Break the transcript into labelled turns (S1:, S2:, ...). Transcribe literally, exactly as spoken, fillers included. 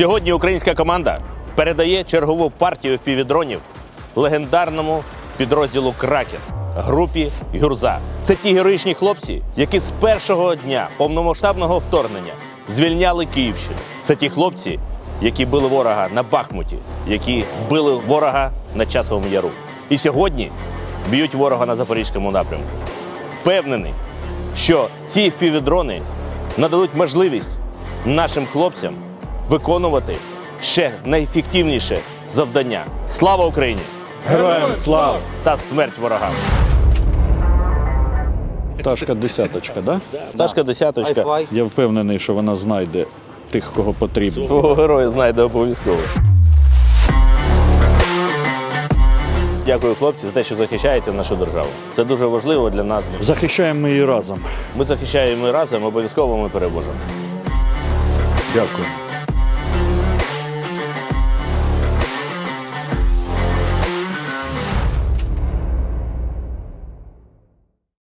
S1: Сьогодні українська команда передає чергову партію впівдронів легендарному підрозділу «Кракен» групі «Гюрза». Це ті героїчні хлопці, які з першого дня повномасштабного вторгнення звільняли Київщину. Це ті хлопці, які били ворога на Бахмуті, які били ворога на Часовому Яру. І сьогодні б'ють ворога на Запорізькому напрямку. Впевнений, що ці впівдрони нададуть можливість нашим хлопцям виконувати ще найефективніше завдання. Слава Україні!
S2: Героям слава!
S1: Та смерть ворогам!
S2: Пташка десяточка, да?
S1: Пташка десяточка.
S2: Я впевнений, що вона знайде тих, кого потрібно.
S1: Свого героя знайде обов'язково. Дякую, хлопці, за те, що захищаєте нашу державу. Це дуже важливо для нас.
S2: Захищаємо ми її разом.
S1: Ми захищаємо разом, обов'язково ми переможемо.
S2: Дякую.